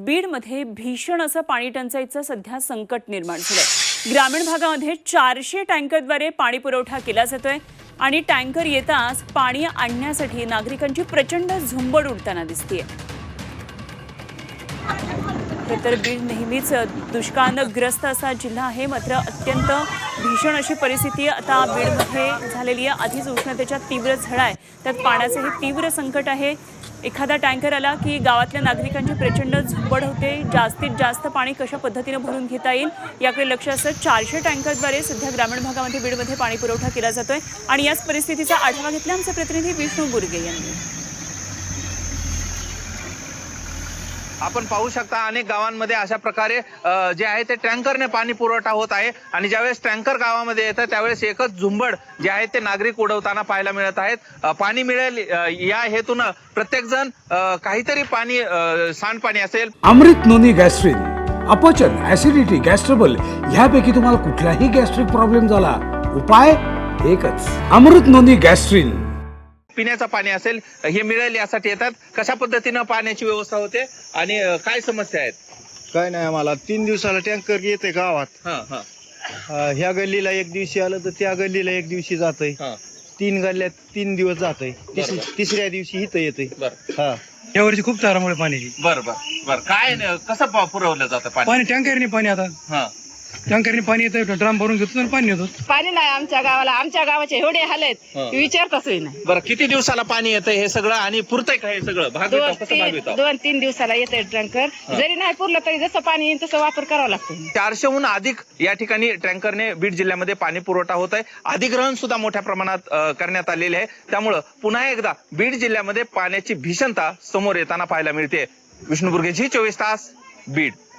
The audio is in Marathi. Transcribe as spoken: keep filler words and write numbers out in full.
बीडमध्ये भीषण असं पाणी टंचाईचं सध्या संकट निर्माण झालंय। ग्रामीण भागामध्ये चारशे टँकरद्वारे पाणी पुरवठा केला जातोय आणि टँकर येताच पाणी आणण्यासाठी नागरिकांची प्रचंड झुंबड उडताना दिसतेय। तर बीड नेहमीच दुष्काळग्रस्त असा जिल्हा आहे, मात्र अत्यंत भीषण अशी परिस्थिती आता बीडमध्ये झालेली आहे। आधीच उष्णतेच्या तीव्र झळा आहे, त्यात पाण्याचे हे तीव्र संकट आहे। एखादा टँकर आला की गावातल्या नागरिकांची प्रचंड झुंबड होते। जास्तीत जास्त पाणी कशा पद्धतीने भरून घेता येईल याकडे लक्ष असतं। चारशे टँकरद्वारे सध्या ग्रामीण भागामध्ये बीडमध्ये पाणी पुरवठा केला जातोय आणि याच परिस्थितीचा आढावा घेतला आमचे प्रतिनिधी विष्णू बुर्गे यांनी। आपण पाहू शकता अनेक गावांमध्ये अशा प्रकारे जे आहे ते टँकरने पाणी पुरवठा होत आहे आणि ज्यावेळेस टँकर गावामध्ये येतं त्यावेळेस एकच झुंबड जे आहे ते नागरिक उडवताना पाहायला मिळत आहेत। पाणी मिळेल या हेतून प्रत्येक जण काहीतरी पाणी सांडपाणी असेल। अमृत नोनी गॅस्ट्रिन, अपचन, ऍसिडिटी, गॅस्ट्रबल ह्यापैकी तुम्हाला कुठलाही गॅस्ट्रिक प्रॉब्लेम झाला, उपाय एकच, अमृत नोनी गॅस्ट्रिन। पिण्याचं पाणी असेल हे मिळेल यासाठी येतात। कशा पद्धतीनं पाण्याची व्यवस्था होते आणि काय समस्या आहेत? काय नाही, आम्हाला तीन दिवसाला टँकर येते गावात। हा हा अं, ह्या गल्लीला एक दिवशी आलं तर त्या गल्लीला एक दिवशी जातंय। हा तीन गल्ल्यात तीन दिवस जातंय, तिस- तिसऱ्या दिवशी इथं येतंय। बर हा यावरची खूप तारामुळे पाण्याची बर बर बर काय न- कसं प- पुरवलं जातं पाणी? पाणी टँकरने पाणी आता हा टँकरने पाणी येतं, ड्राम भरून घेतो आणि पाणी येतो। पाणी नाही आमच्या गावाला, आमच्या गावाचे एवढे हाल आहेत हा. की विचारताचही नाही। बरं किती दिवसाला पाणी येतं हे सगळं आणि पुरतंय का हे सगळं? भाग दोन येतो कसं भाग तीन येतो? दोन तीन दिवसाला येते टँकर। जरी नाही पुरलं तरी जसं पाणी येईल तसं वापर करावा लागतो। चारशेहून अधिक या ठिकाणी टँकरने बीड जिल्ह्यामध्ये पाणी पुरवठा होत आहे। अधिग्रहण सुद्धा मोठ्या प्रमाणात अ, करण्यात आलेले आहे। त्यामुळं पुन्हा एकदा बीड जिल्ह्यामध्ये पाण्याची भीषणता समोर येताना पाहायला मिळते। विष्णू बुर्गे, झी चोवीस तास, बीड।